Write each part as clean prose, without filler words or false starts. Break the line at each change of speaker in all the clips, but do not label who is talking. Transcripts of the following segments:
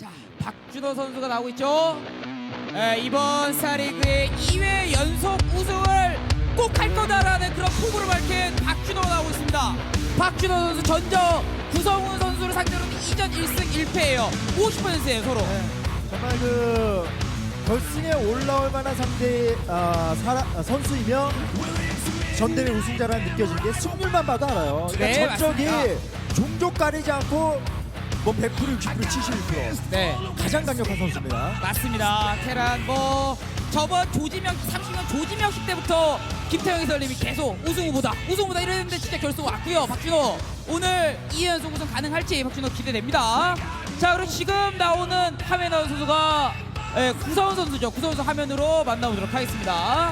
자, 박준호 선수가 나오고 있죠. 이번 스타리그의 2회 연속 우승을 꼭 할 거다라는 그런 포부를 밝힌 박준호가 나오고 있습니다. 박준호 선수 전적 구성훈 선수를 상대로 2전 1승 1패예요. 50%예요 서로.
정말 그 결승에 올라올 만한 상대 선수이며 전대회 우승자라는 느껴지는 게 승률만 봐도 알아요. 그러니까
네,
전적이
맞습니다.
종족 가리지 않고 뭐 100%, 60%, 71%
네,
가장 강력한 선수입니다.
맞습니다. 테란 뭐 저번 조지명 30년 조지명식 때부터 김태형 해설님이 계속 우승 후보다 이랬는데 진짜 결승 왔고요. 박준호 오늘 2연속 우승 가능할지 박준호 기대됩니다. 자, 그리고 지금 나오는 화면에 나온 선수가 구서훈 선수죠. 구서훈 선수 화면으로 만나보도록 하겠습니다.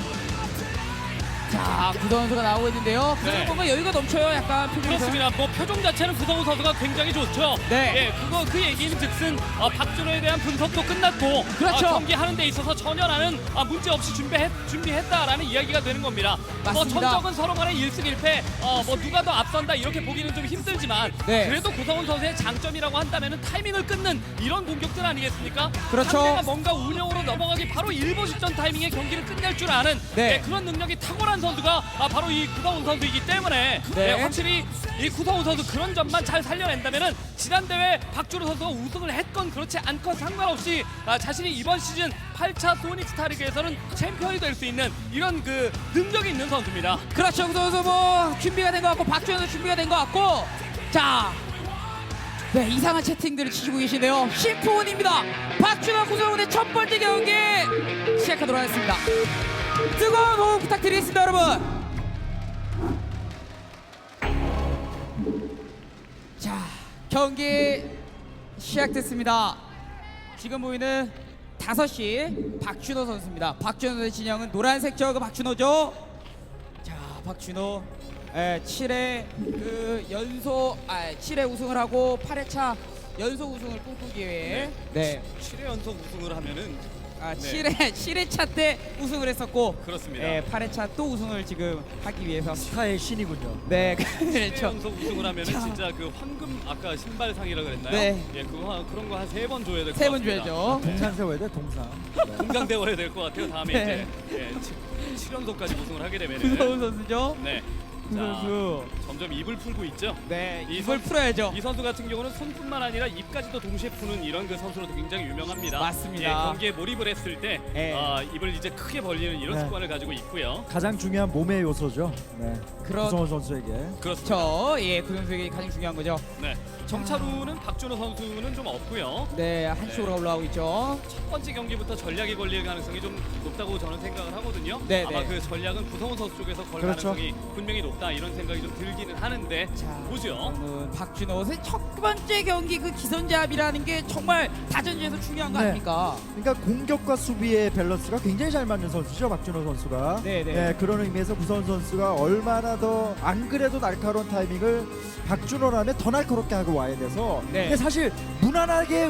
자, 구서훈 선수가 나오고 있는데요. 구서훈
네.
보면 여유가 넘쳐요. 약간 표정에서.
그렇습니다. 뭐 표정 자체는 구성훈 선수가 굉장히 좋죠.
네.
예, 그 얘기는 즉슨 박준호에 대한 분석도 끝났고
그렇죠.
경기하는 데 있어서 전혀 나는 문제 없이 준비했다라는 이야기가 되는 겁니다. 뭐
맞습니다.
전적은 서로 간에 1승 1패 뭐 누가 더 앞선다 이렇게 보기는 좀 힘들지만
네.
그래도 구성훈 선수의 장점이라고 한다면 타이밍을 끊는 이런 공격들 아니겠습니까?
그렇죠.
상대가 뭔가 운영으로 넘어가기 바로 일보 직전 타이밍에 경기를 끝낼 줄 아는
네.
그런 능력이 탁월한 선수가 바로 이 구성훈 선수이기 때문에
네.
확실히 이 구성훈 선수 그런 점만 잘 살려낸다면은 지난 대회 박준호 선수가 우승을 했건 그렇지 않건 상관없이 자신이 이번 시즌 8차 소닉 스타리그에서는 챔피언이 될 수 있는 이런 그 능력이 있는 선수입니다.
그렇죠. 구서훈 선수 뭐 준비가 된 것 같고 박준호 선수 준비가 된 것 같고. 자, 네, 이상한 채팅들을 치시고 계시네요. 심포원입니다. 박준호 구성훈의 첫 번째 경기 시작하도록 하겠습니다. 뜨거운 호흡 부탁드리겠습니다, 여러분. 자, 경기 시작됐습니다. 지금 보이는 5시 박준호 선수입니다. 박준호 선수의 진영은 노란색 저그 박준호죠. 자, 박준호 7회 그 연속 7회 우승을 하고 8회차 연속 우승을 꿈꾸기 위해 네.
7회 연속 우승을 하면은
7회차 때 우승을 했었고
그렇습니다.
8회차 또 우승을 지금 하기 위해서
스타의 신이군요.
네,
7회
그렇죠.
연속 우승을 하면은
자.
진짜 그 황금 아까 신발상이라 그랬나요?
네.
예, 그런 거 한 3번 줘야 될 것 같습니다.
3번 줘야죠.
동산 세워야 돼, 동산.
동강대원이 될 것 같아요. 다음에
네.
이제 7연속까지 우승을 하게 되면은
구성훈 선수죠.
네.
구 선수.
점점 입을 풀고 있죠.
네,
이
이걸 풀어야죠.
이 선수 같은 경우는 손뿐만 아니라 입까지도 동시에 푸는 이런 그 선수로도 굉장히 유명합니다.
맞습니다.
예, 경기에 몰입을 했을 때
네.
입을 이제 크게 벌리는 이런
네.
습관을 가지고 있고요.
가장 중요한 몸의 요소죠. 네.
그런-
구성원 선수에게.
그렇습니다.
그 선수에게 가장 중요한 거죠.
네. 정차루는 박준호 선수는 좀 없고요.
네, 한쪽으로 올라오고 있죠.
첫 번째 경기부터 전략이 걸릴 가능성이 좀 높다고 저는 생각을 하거든요.
네,
아마
네.
그 전략은 구성훈 선수 쪽에서 걸
그렇죠.
가능성이 분명히 높다 이런 생각이 좀 들기는 하는데 보죠.
저는 박준호 선수의 첫 번째 경기 그 기선제압이라는 게 정말 다전지에서 중요한 거
네.
아닙니까?
그러니까 공격과 수비의 밸런스가 굉장히 잘 맞는 선수죠, 박준호 선수가.
네, 네.
그런 의미에서 구성원 선수가 얼마나 더 안 그래도 날카로운 타이밍을 박준호라면 더 날카롭게 하고 와야 돼서
네.
근데 사실 무난하게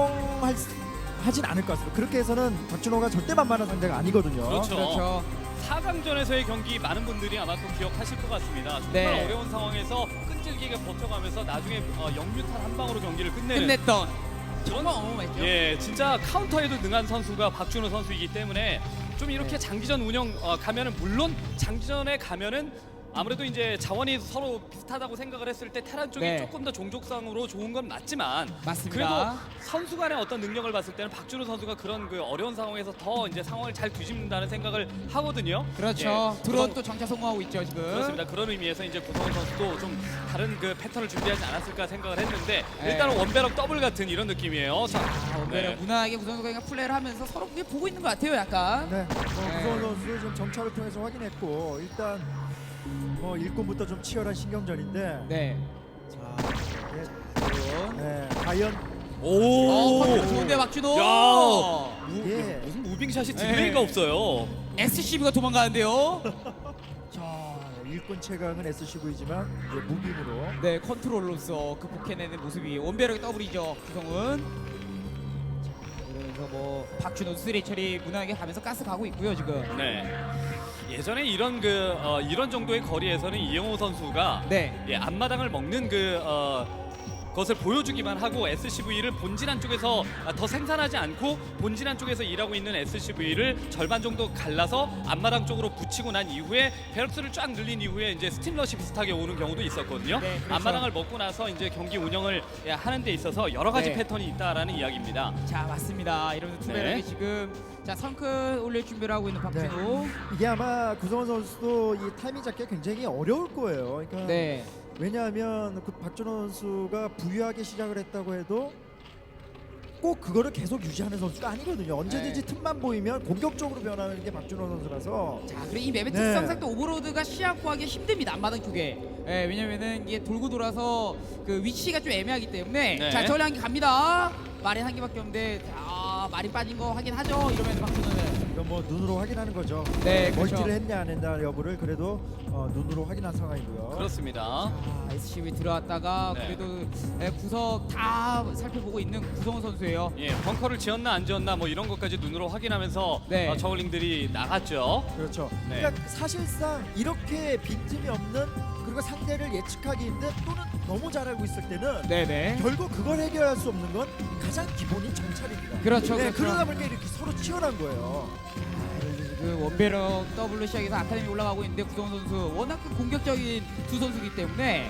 하진 않을 것 같습니다. 그렇게 해서는 박준호가 절대 만만한 상대가 아니거든요.
그렇죠.
그렇죠.
4강전에서의 경기 많은 분들이 아마 또 기억하실 것 같습니다. 정말
네.
어려운 상황에서 끈질기게 버텨가면서 나중에 영유탄 한 방으로 경기를 끝내는
끝냈던 정말 어마어마했죠.
예, 진짜 카운터에도 능한 선수가 박준호 선수이기 때문에 좀 이렇게 장기전 운영 가면은 물론 장기전에 가면은 아무래도 이제 자원이 서로 비슷하다고 생각을 했을 때 테란 쪽이
네.
조금 더 종족상으로 좋은 건 맞지만
맞습니다.
그래도 선수 간의 어떤 능력을 봤을 때는 박준호 선수가 그런 그 어려운 상황에서 더 이제 상황을 잘 뒤집는다는 생각을 하거든요.
그렇죠.
예,
드론
그런-
또 정차 성공하고 있죠 지금.
그렇습니다. 그런 의미에서 이제 구성훈 선수도 좀 다른 그 패턴을 준비하지 않았을까 생각을 했는데
네.
일단은 원배럭 더블 같은 이런 느낌이에요. 자,
원배를 무난하게 구선수가 그냥 플레이를 하면서 서로 그게 보고 있는 것 같아요, 약간.
네. 구성원 선수 지금 정찰을 통해서 확인했고 일단 일꾼부터 좀 치열한 신경전인데
네.
자,
드론.
과연
컨트롤 좋은데 박준호.
야.
예.
무슨 무빙샷이
네.
딜레이가 없어요.
SCV가 도망가는데요.
자, 일꾼 최강은 SCV지만 무빙으로
네, 컨트롤로서 극복해내는 모습이 원배력의 더블이죠, 구성은. 그러면서 뭐 박준호 쓰리 처리 무난하게 가면서 가스 가고 있고요 지금.
네. 예전에 이런 정도의 거리에서는 이영호 선수가
네.
앞마당을 먹는 것을 보여주기만 하고 SCV를 본진한 쪽에서 더 생산하지 않고 본진한 쪽에서 일하고 있는 SCV를 절반 정도 갈라서 앞마당 쪽으로 붙이고 난 이후에 베럭스를 쫙 늘린 이후에 이제 스팀러시 비슷하게 오는 경우도 있었거든요.
네, 그렇죠.
앞마당을 먹고 나서 이제 경기 운영을 하는 데 있어서 여러 가지
네.
패턴이 있다라는 이야기입니다.
자, 맞습니다. 이러면서 투베럭이
네.
지금 자 성큰 올릴 준비를 하고 있는 박진호.
이게 아마 구성원 선수도 이 타이밍 잡기가 굉장히 어려울 거예요. 그러니까
네.
왜냐하면 그 박준호 선수가 부유하게 시작을 했다고 해도 꼭 그거를 계속 유지하는 선수가 아니거든요. 언제든지
네.
틈만 보이면 공격적으로 변하는 게 박준호 선수라서
자, 그리고 이 맵의
네.
특성상 또 오버로드가 시야 구하기 힘듭니다. 앞마당 쪽에. 예, 왜냐면은 이게 돌고 돌아서 그 위치가 좀 애매하기 때문에.
네.
자, 저리 한개 갑니다. 마린 한 개밖에 없는데, 자, 마린 빠진 거 확인하죠. 이러면서 박준호는.
이건 뭐 눈으로 확인하는 거죠.
네, 그렇죠.
멀티를 했냐 안 했냐 여부를 그래도 눈으로 확인한 상황이고요.
그렇습니다.
아, SCV 들어왔다가
네.
그래도 구석 다 살펴보고 있는 구성원 선수예요.
예, 벙커를 지었나 안 지었나 뭐 이런 것까지 눈으로 확인하면서
네.
저글링들이 나갔죠.
그렇죠.
네.
그러니까 사실상 이렇게 빈틈이 없는 그리고 상대를 예측하기 힘든 또는 너무 잘 알고 있을 때는
네네.
결국 그걸 해결할 수 없는 건 가장 기본인 정찰입니다.
그렇죠,
네,
그렇죠.
그러다 보니까 이렇게 서로 치열한 거예요.
지금 원베럭 더블로 시작해서 아카데미 올라가고 있는데 구성원 선수 워낙 그 공격적인 두 선수이기 때문에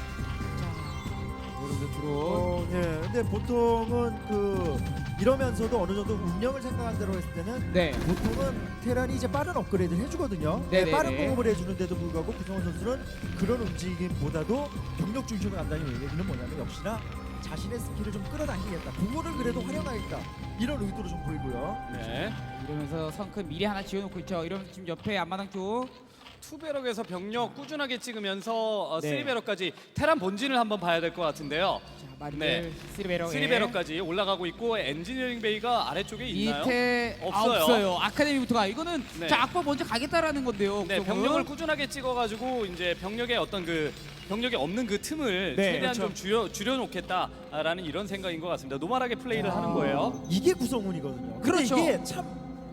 자 이런데 들어
예, 근데 보통은 이러면서도 어느 정도 운영을 생각한 대로 했을 때는
네.
보통은 테란이 이제 빠른 업그레이드를 해주거든요.
네네네.
빠른 공업을 해주는데도 불구하고 구성원 선수는 그런 움직임보다도 병력 중심으로 간다는 얘기는 뭐냐면 역시나 자신의 스킬을 좀 끌어당기겠다. 그거를 그래도 활용하겠다. 이런 의도로 좀 보이고요.
네.
이러면서 성큰 미리 하나 지어놓고 있죠. 이러면서 지금 옆에 앞마당 쪽
투베럭에서 병력 꾸준하게 찍으면서
네.
쓰리베럭까지 테란 본진을 한번 봐야 될 것 같은데요.
자, 마리벨
네.
쓰리베럭
쓰리베럭까지 올라가고 있고 엔지니어링 베이가 아래쪽에 있나요?
밑에
없어요.
없어요. 아카데미부터가 이거는
네.
자 악보 먼저 가겠다라는 건데요.
네,
구성은.
병력을 꾸준하게 찍어가지고 이제 병력의 어떤 병력이 없는 그 틈을
네,
최대한
그렇죠.
좀 줄여놓겠다라는 이런 생각인 것 같습니다. 노멀하게 플레이를 하는 거예요.
이게 구성운이거든요. 근데
그렇죠.
이게 참,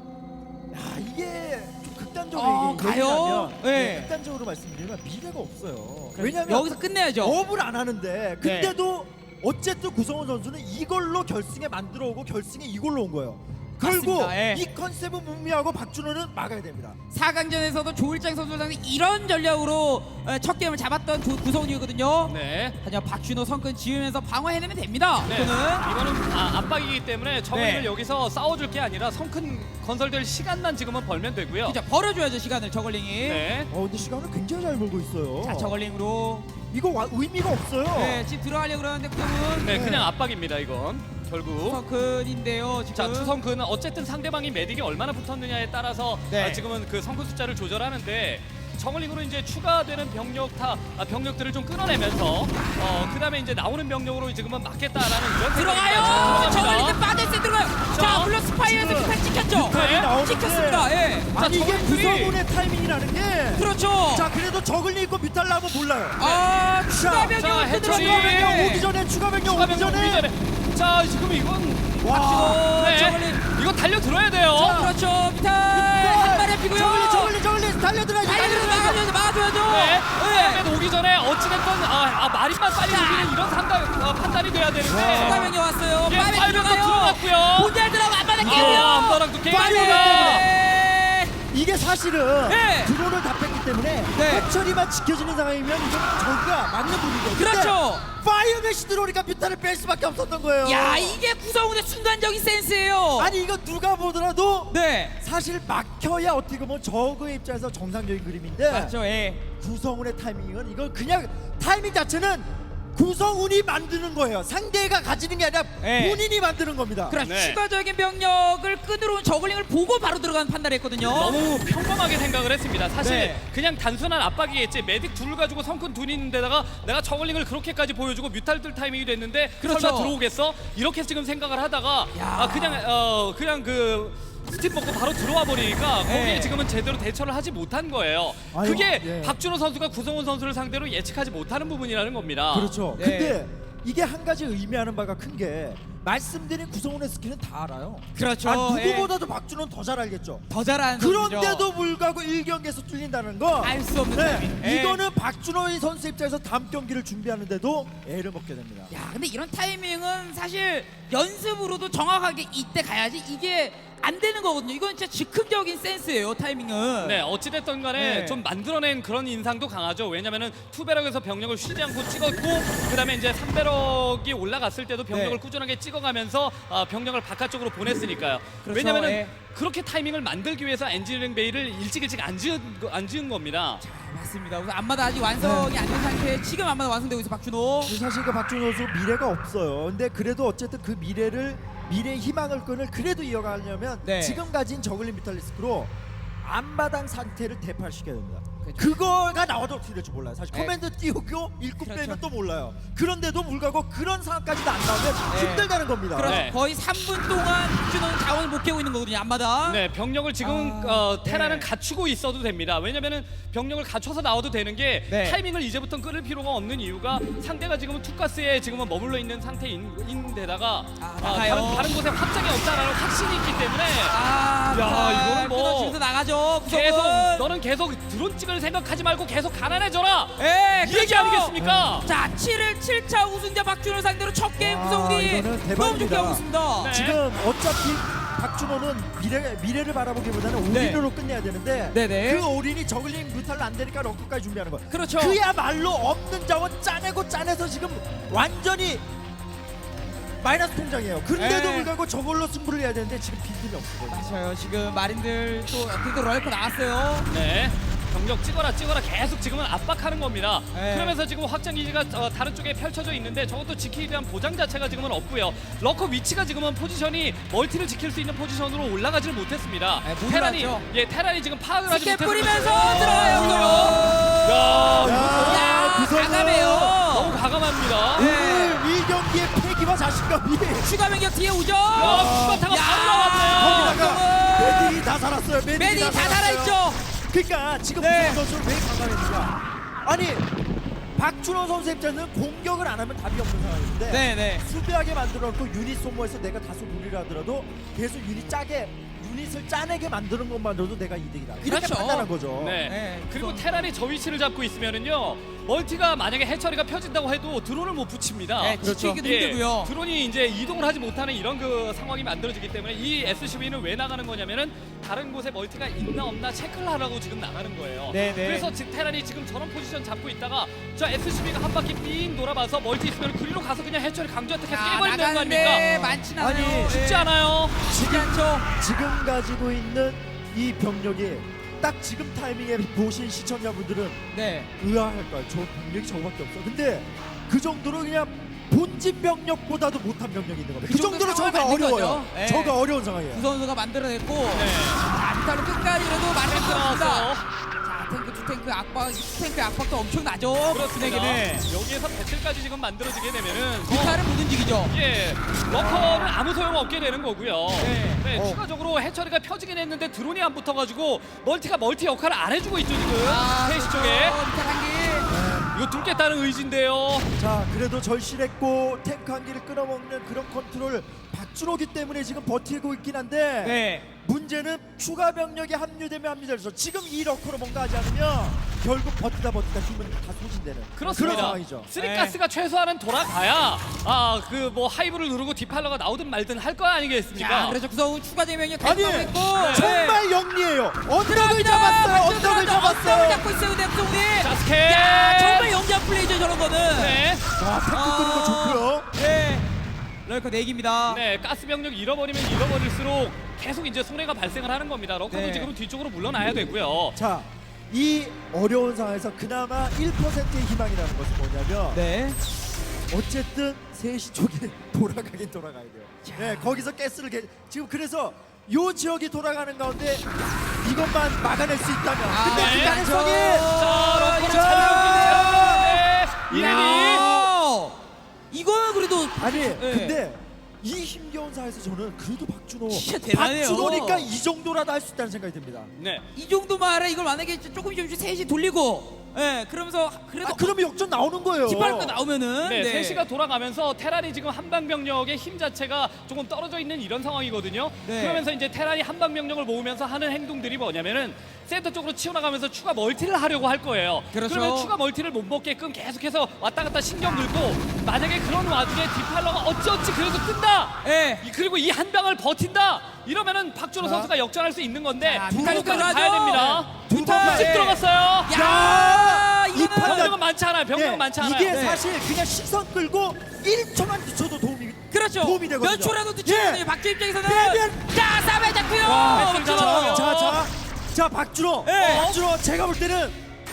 이게 좀 극단적으로
가요?
얘기하면
네.
극단적으로 말씀드리면 미래가 없어요.
그래서
왜냐하면
여기서 끝내야죠.
업을 안 하는데 근데도 어쨌든 구성원 선수는 이걸로 결승에 만들어 오고 결승에 이걸로 온 거예요. 결국
맞습니다. 예.
이 컨셉은 문미하고 박준호는 막아야 됩니다.
4강전에서도 조일장 선수랑 이런 전략으로 첫 게임을 잡았던 구성훈이거든요.
네.
하지만 박준호 성근 지으면서 방어해내면 됩니다.
네,
이거는
이거는 압박이기 때문에 저글링을
네.
여기서 싸워줄 게 아니라 성큰 건설될 시간만 지금은 벌면 되고요.
진짜 버려줘야죠 시간을 저걸링이.
네.
근데 시간을 굉장히 잘 벌고 있어요.
자 저걸링으로
이거 의미가 없어요.
네, 지금 들어가려고 그러는데 구성훈
네, 그냥 압박입니다 이건 결국.
성근인데요 지금.
자 추성근은 어쨌든 상대방이 메딕이 얼마나 붙었느냐에 따라서
네.
지금은 그 성근 숫자를 조절하는데 저글링으로 이제 추가되는 병력들을 좀 끊어내면서 그다음에 이제 나오는 병력으로 지금은 막겠다라는 이런
들어가요. 저걸링
생각입니다.
빠졌을 들어가요.
자,
자 물론 스파이어에서
지금
스파이 찍혔죠.
네.
나오는데
찍혔습니다. 예.
아니 이게
저글링들이-
구성운의 타이밍이라는 게
그렇죠.
자 그래도 저글링 있고 뮤탈 나오면 몰라요.
아 추가
자,
병력을
해처리.
추가
뜯어내고
병력 오기 전에 추가 병력
추가
오기
병력 오기
전에
전에 자 지금 이건
와
네.
저글링.
이거 달려 들어야 돼요.
그렇죠. 비탈 한 발에 피고요.
저글링 달려들어야지.
막아줘야죠. 막아줘야죠.
네.
네.
처음에 오기 전에 어찌됐건 마린만 빨리 오기는 이런 판단이 돼야 되는데
추가명이 왔어요.
예,
빠르게
파이브가
들어가요.
들어갔고요.
본잘 들어가면 앞바닥 깨고요.
앞바닥도 깨고요.
빠르게.
이게 사실은
네.
드론을 다 뺐기 때문에
네.
해처리만 지켜지는 상황이면 이건 저가 맞는 부분이거든요.
그렇죠.
파이어맷이 들어오니까 뮤탈을 뺄 수밖에 없었던 거예요.
야 이게 구성훈의 순간적인 센스예요.
아니 이거 누가 보더라도
네.
사실 막혀야 어떻게 보면 저그의 입장에서 정상적인 그림인데
맞죠. 예.
구성운의 타이밍은 이건 그냥 타이밍 자체는 구성운이 만드는 거예요. 상대가 가지는 게 아니라
네.
본인이 만드는 겁니다.
그렇죠.
네.
추가적인 병력을 끈으로 온 저글링을 보고 바로 들어가는 판단을 했거든요.
너무 평범하게 생각을 했습니다. 사실
네.
그냥 단순한 압박이겠지. 메딕 둘을 가지고 성큰 둘이 있는데다가 내가 저글링을 그렇게까지 보여주고 뮤탈들 타이밍이 됐는데
그렇죠.
설마 들어오겠어? 이렇게 지금 생각을 하다가
야.
그냥 그 스팀 먹고 바로 들어와 버리니까 거기에
네.
지금은 제대로 대처를 하지 못한 거예요.
아유,
그게
예.
박준호 선수가 구성훈 선수를 상대로 예측하지 못하는 부분이라는 겁니다.
그렇죠.
네.
근데 이게 한 가지 의미하는 바가 큰 게 말씀드린 구성원의 스킬은 다 알아요.
그렇죠.
누구보다도 박준호는 더 잘 알겠죠.
더 잘하는 선수죠.
그런데도 불구하고 1경기에서 뚫린다는 거.
알 수 없는 타이밍. 예.
이거는 박준호 선수 입장에서 다음 경기를 준비하는데도 애를 먹게 됩니다.
야, 근데 이런 타이밍은 사실 연습으로도 정확하게 이때 가야지 이게 안 되는 거거든요. 이건 진짜 즉흥적인 센스예요, 타이밍은.
네, 어찌됐든 간에
네.
좀 만들어낸 그런 인상도 강하죠. 왜냐면은 투배럭에서 병력을 쉬지 않고 찍었고, 그 다음에 이제 3배럭이 올라갔을 때도 병력을
네.
꾸준하게 찍어가면서 병력을 바깥쪽으로 보냈으니까요.
그렇죠,
왜냐면은
예.
그렇게 타이밍을 만들기 위해서 엔지니어링 베이를 일찍 안 지은 겁니다.
맞습니다. 우선 앞마다 아직 완성이 안 된 상태에 지금 앞마다 완성되고 있어 박준호.
사실 그 박준호 선수 미래가 없어요. 근데 그래도 어쨌든 그 미래의 희망을 끈을 그래도 이어가려면
네.
지금 가진 저글링 뮤탈리스크로 앞마당 상태를 대파시켜야 됩니다.
그렇죠.
그거가 나와도 어떻게 될지 몰라요. 사실
네.
커맨드 띄우고 일꾼
그렇죠.
빼면 또 몰라요. 그런데도 불구하고 그런 상황까지도 안 나오면
네.
힘들다는 겁니다.
그렇죠.
네.
거의 3분 동안 박준호는 자원을 못 깨고 있는 거거든요. 앞마다.
네, 병력을 지금 테라는
네.
갖추고 있어도 됩니다. 왜냐면은 병력을 갖춰서 나와도 되는 게
네.
타이밍을 이제부터 끌을 필요가 없는 이유가 상대가 지금은 투가스에 지금은 머물러 있는 상태인데다가
나가요.
다른 곳에 확장이 없다라는 확신이 있기 때문에
아,
야, 이거는 뭐
끊어지면서 나가죠.
계속
구성은.
너는 계속 드론 찍을 생각하지 말고 계속 가난해져라.
예,
이 얘기 아니겠습니까?
자, 7일 7차 우승자 박준호 상대로 첫 게임
와,
구성이
이거는
너무 좋게
대박입니다.
하고 있습니다.
네.
지금 어차피 박준호는 미래를 바라보기보다는
네.
올인으로 끝내야 되는데
네네.
그 올인이 저글링 뮤탈로 안 되니까 럭커까지 준비하는 거예요.
그렇죠.
그야말로 없는 자원 짜내서 지금 완전히 마이너스 통장이에요. 그런데도
네.
불구하고 저걸로 승부를 해야 되는데 지금 빈틈이 없어요.
맞아요. 지금 마린들 또 그래도 럴커 나왔어요.
네. 병력 찍어라 계속 지금은 압박하는 겁니다.
네.
그러면서 지금 확장 기지가 다른 쪽에 펼쳐져 있는데 저것도 지키기 위한 보장 자체가 지금은 없고요. 러커 위치가 지금은 포지션이 멀티를 지킬 수 있는 포지션으로 올라가지를 못했습니다.
네, 못
테란이
올라갔죠.
테란이 지금 파악을 하지
스케
못해서
뿌리면서 들어가요. 야,
구성은
과감해요.
너무 과감합니다.
네.
오늘 이 경기의 패기와 자신감이
추가 변경 뒤에 오죠.
추가타가
야,
바로 나왔네요.
거기다가 메딕이 다 살았어요.
메딕이 다
살았어요.
살아있죠.
그러니까 지금
네.
구성 선수를 왜 강간했느냐? 아니 박준호 선수 입장에서는 공격을 안 하면 답이 없는 상황인데
네네.
수비하게 만들어놓고 유닛 소모해서 내가 다소 무리를 하더라도 계속 유닛을 짜내게 만드는 것만으로도 내가 이득이다. 이렇게
그렇죠.
판단한 거죠.
네.
네,
그리고
우선-
테란이 저 위치를 잡고 있으면은요. 멀티가 만약에 해처리가 펴진다고 해도 드론을 못 붙입니다.
네,
그렇죠.
지키기도
예,
힘들고요.
드론이 이제 이동을 하지 못하는 이런 그 상황이 만들어지기 때문에 이 SCV는 왜 나가는 거냐면은 다른 곳에 멀티가 있나 없나 체크를 하라고 지금 나가는 거예요.
네, 네.
그래서 테란이 지금 저런 포지션 잡고 있다가 저 SCV가 한 바퀴 삥 돌아봐서 멀티 있으면 그리로 가서 그냥 해처리 강조 어떻게 깨버리면 되는 거 아닙니까?
나가는데 많진 않아요.
아니,
쉽지
예.
않아요.
쉽지 않죠.
지금 가지고 있는 이 병력이 딱 지금 타이밍에 보신 시청자분들은
네.
의아할 거야. 저 병력이 저거밖에 없어. 근데 그 정도로 그냥 본진 병력보다도 못한 병력이 있는 겁니다.
그
그 정도로
정도
저가
상황이 안 된
어려워요.
거죠. 네.
저가 어려운 상황이에요.
구 선수가 만들어냈고
네.
자, 비탈로 끝까지 그래도 많이
들어왔어요.
들어왔습니다. 자, 탱크 두 탱크 압박, 탱크 압박도 엄청나죠.
그렇습니다.
분에게는
여기에서 배틀까지 지금 만들어지게 되면은
비탈은 못 움직이죠.
예, 러커는 아무 소용 없게 되는 거고요.
네.
네, 추가적으로 해처리가 펴지긴 했는데 드론이 안 붙어가지고 멀티 역할을 안 해주고 있죠 지금 페이시 쪽에.
비탈 한 개.
이거 뚫겠다는 의지인데요.
자, 그래도 절실했고 탱크 한 기를 끌어먹는 그런 컨트롤 박준호기 때문에 지금 버티고 있긴 한데
네.
문제는 추가 병력이 합류되면 합류돼서 지금 이 러커로 뭔가 하지 않으면 결국 버티다 힘은 다 소진되는 그런
그렇습니다.
상황이죠.
쓰리가스가 최소한은 돌아가야 그 뭐 하이브를 누르고 디팔러가 나오든 말든 할 거 아니겠습니까?
자, 그래서 구성은 추가 대명이
아니
계속 나오고 있고. 네.
정말 영리해요. 언덕을 잡았어요. 언덕을 잡았어요.
잡고 있어요, 근데 구성이.
자, 스케일.
야, 정말 영리한 플레이죠, 저런 거는.
네.
자, 탱크 끄는 거 좋고요.
네. 럴커 4기입니다.
네, 가스 병력 잃어버리면 잃어버릴수록 계속 이제 손해가 발생을 하는 겁니다. 러커도
네.
지금 뒤쪽으로 물러나야 되고요.
자, 이 어려운 상황에서 그나마 1%의 희망이라는 것은 뭐냐면
네.
어쨌든 3시 쪽에 돌아가긴 돌아가야 돼요. 네, 거기서 가스를 지금 그래서 요 지역이 돌아가는 가운데 이것만 막아낼 수 있다면 근데
네.
그 가능성이
자, 러커를
자,
잘 이레디.
야, 이거는 그래도
아니
네.
근데 이 힘겨운 사에서 저는 그래도 박준호
진짜 대단해요.
박준호니까 이 정도라도 할 수 있다는 생각이 듭니다.
네.
이 정도 말에 이걸 만약에 조금씩 셋이 돌리고 예, 그러면서 그래도
그러면 역전 나오는 거예요.
뒷발로 나오면은
네,
네.
3시가 돌아가면서 테란이 지금 한방병력의 힘 자체가 조금 떨어져 있는 이런 상황이거든요.
네.
그러면서 이제 테란이 한방병력을 모으면서 하는 행동들이 뭐냐면은 센터 쪽으로 치워나가면서 추가 멀티를 하려고 할 거예요.
그렇죠.
그러면 추가 멀티를 못 먹게끔 계속해서 왔다 갔다 신경 들고 만약에 그런 와중에 디팔러가 어찌어찌 그래도 뜬다.
예.
그리고 이 한 방을 버틴다. 이러면은 박준호
자.
선수가 역전할 수 있는 건데
자,
두
뒷발로
번까지
들어가죠.
가야 됩니다.
두
두
번,
번씩
예.
들어갔어요.
야,
이
이거는
판단-
병력은 많지 않아요. 병력은
예,
많지 않아요.
이게
네.
사실 그냥 시선 끌고 1초만 늦춰도
그렇죠.
도움이 되거든요.
몇 초라도 늦추면
예.
박주 입장에서는
빼면-
자, 싸움에 잡고요.
와,
박준호.
잡았어요.
자, 박준호.
예.
박준호 제가 볼 때는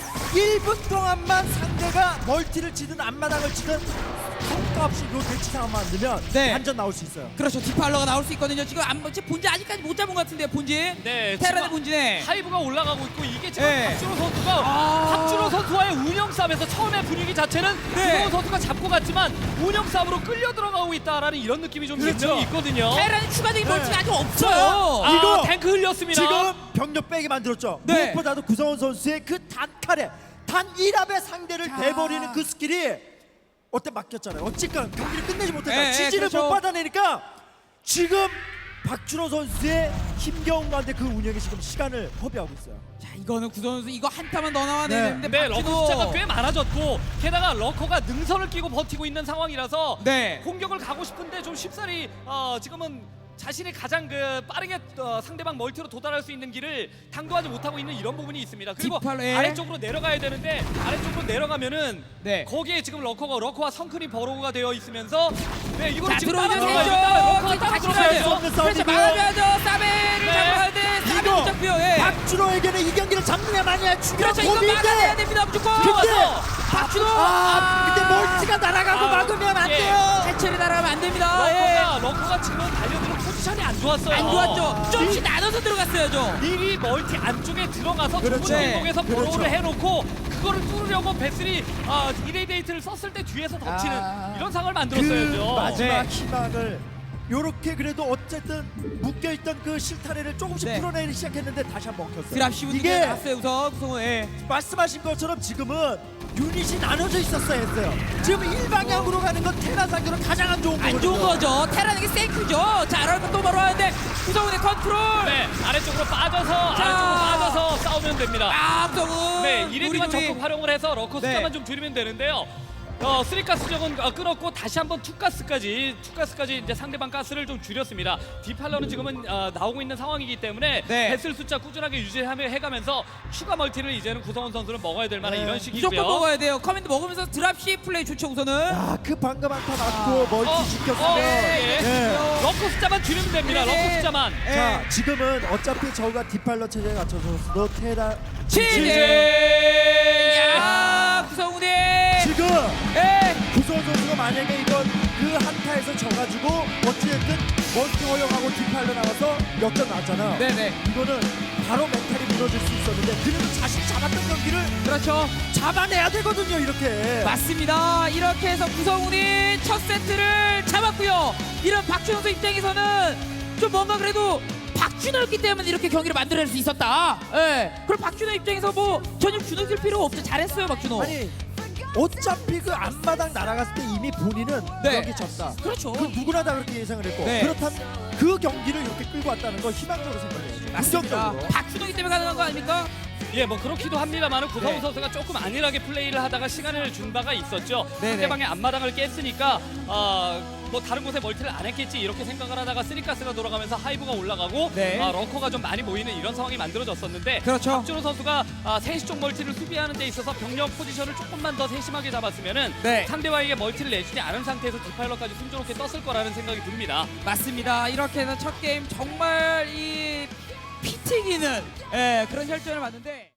1분 동안만 상대가 멀티를 치든 앞마당을 치든 성과 없이 요 대치 상황 만들면
네.
완전 나올 수 있어요.
그렇죠. 디팔러가 나올 수 있거든요. 지금 본진 아직까지 못 잡은 것 같은데요. 본진.
네,
테란의
지금
본진에.
하이브가 올라가고 있고 이게 지금
네.
박준호 선수가
아.
박준호 선수와의 운영 싸움에서 처음에 분위기 자체는
네.
구성훈 선수가 잡고 갔지만 운영 싸움으로 끌려 들어가고 있다라는 이런 느낌이 좀
그렇죠.
분명히 있거든요.
테란이 추가적인
네.
멀티가 아직 없어요.
아,
이거
탱크 흘렸습니다.
지금 병력 빼기 만들었죠.
네.
무엇보다도 구성원 선수의 그 단칼에 단 1합의 상대를
자.
대버리는 그 스킬이 어때 맡겼잖아요. 어쨌건 경기를 끝내지 못했다.
예, 예,
지지를
그렇죠.
못 받아내니까 지금 박준호 선수의 힘겨운 가운데 그 운영에 지금 시간을 허비하고 있어요.
자, 이거는 구선 선수 이거 한 타만 더 나와야
네.
되는데
네, 러커
박준호.
숫자가 꽤 많아졌고 게다가 러커가 능선을 끼고 버티고 있는 상황이라서
네.
공격을 가고 싶은데 좀 쉽사리 지금은 자신이 가장 빠르게 상대방 멀티로 도달할 수 있는 길을 당도하지 못하고 있는 이런 부분이 있습니다. 그리고
뒷팔에.
아래쪽으로 내려가야 되는데 아래쪽으로 내려가면은
네.
거기에 지금 러커와 성큰이 버로우가 되어 있으면서 네 이거를
자,
지금 따로
들어오면
들어가야죠.
되죠.
러커가 따로
다시
들어가야죠.
가야죠.
없는
그렇죠.
싸움이고요.
막아야죠. 사베를
네.
잡아야 돼. 사베
이거
못 잡고요. 예.
박준호에게는 이 경기를 잡느냐 마느냐 중요한
그렇죠. 이거 막아내야
고민인데
됩니다. 무조건.
근데
박준호.
근데 멀티가 날아가고
아,
막으면 안
예.
돼요.
해체를 날아가면 안 됩니다. 예.
러커가 지금 달려드는 포지션이 안 좋았어요.
안 좋았죠. 조금씩 나눠서 들어갔어야죠.
미리 멀티 안쪽에 들어가서
그렇죠.
좁은 행동에서
네.
버로우를
그렇죠.
해놓고 그거를 뚫으려고 베슬이 이레이데이트를 썼을 때 뒤에서 덮치는
아.
이런 상황을
그
만들었어야죠.
마지막
네.
희망을 요렇게 그래도 어쨌든 묶여있던 그 실타래를 조금씩
네.
풀어내기 시작했는데 다시 한번 엉켰어요.
드랍 씹은 게
이게
나왔어요. 우선 구성은. 예.
말씀하신 것처럼 지금은 유닛이 나눠져 있었어야 했어요. 지금 일방향으로 가는 건 테란 상대로 가장 안 좋은 거거든요.
안 좋은 거죠. 테란에게 생크죠. 자, 아랄파 또 바로 하는데 구성훈의 컨트롤.
네, 아래쪽으로 빠져서 싸우면 됩니다.
아, 구성훈.
네, 이레디만
우리.
적극 활용을 해서 러커
네.
숫자만 좀 줄이면 되는데요. 3가스 적은 끊었고 다시 한번 2가스까지 이제 상대방 가스를 좀 줄였습니다. 디팔러는 지금은 나오고 있는 상황이기 때문에
네.
배슬 숫자 꾸준하게 유지해가면서 추가 멀티를 이제는 구성원 선수는 먹어야 될 만한
네.
이런 시기고요.
무조건 먹어야 돼요. 커맨드 먹으면서 드랍 C 플레이 좋죠, 우선은.
그 방금 한타 맞고 멀티 지켰으면
예.
네.
러커 숫자만 줄이면 됩니다.
네.
러커 숫자만.
예.
자, 지금은 어차피 저가 디팔러 체제에 갖춰서도 테라
치즈! 야, 구성훈이.
지금
예.
구성 선수가 만약에 이건 그 한타에서 져가지고 어찌됐든 멀티 허용하고 디팔러 나와서 역전 나왔잖아.
네네.
이거는 바로 멘탈이 무너질 수 있었는데 그래도 자신이 잡았던 경기를
그렇죠.
잡아내야 되거든요, 이렇게.
맞습니다. 이렇게 해서 구성훈이 첫 세트를 잡았고요. 이런 박준호 선수 입장에서는 좀 뭔가 그래도 박준호였기 때문에 이렇게 경기를 만들어낼 수 있었다. 예. 그럼 박준호 입장에서 뭐 전혀 주눅들 필요 없죠. 잘했어요, 박준호.
아니 어차피 그 앞마당 날아갔을 때 이미 본인은
네.
경기 졌다.
그렇죠.
그 누구나 다 그렇게 예상을 했고
네.
그렇다면 그 경기를 이렇게 끌고 왔다는 건 희망적으로 생각해요.
맞습니다.
긍정적으로.
박준호기 때문에 가능한 거 아닙니까?
예, 뭐 그렇기도 합니다만은 구성훈
네.
선수가 조금 안일하게 플레이를 하다가 시간을 준 바가 있었죠.
네네.
상대방의 앞마당을 깼으니까 뭐 다른 곳에 멀티를 안 했겠지 이렇게 생각을 하다가 쓰리가스가 돌아가면서 하이브가 올라가고
네.
러커가 좀 많이 모이는 이런 상황이 만들어졌었는데
그렇죠.
박준호 선수가 3시 쪽 멀티를 수비하는 데 있어서 병력 포지션을 조금만 더 세심하게 잡았으면은
네.
상대방에게 멀티를 내주지 않은 상태에서 디파일러까지 순조롭게 떴을 거라는 생각이 듭니다.
맞습니다. 이렇게 해서 첫 게임 정말 이 피 튀기는 그런 혈전을 봤는데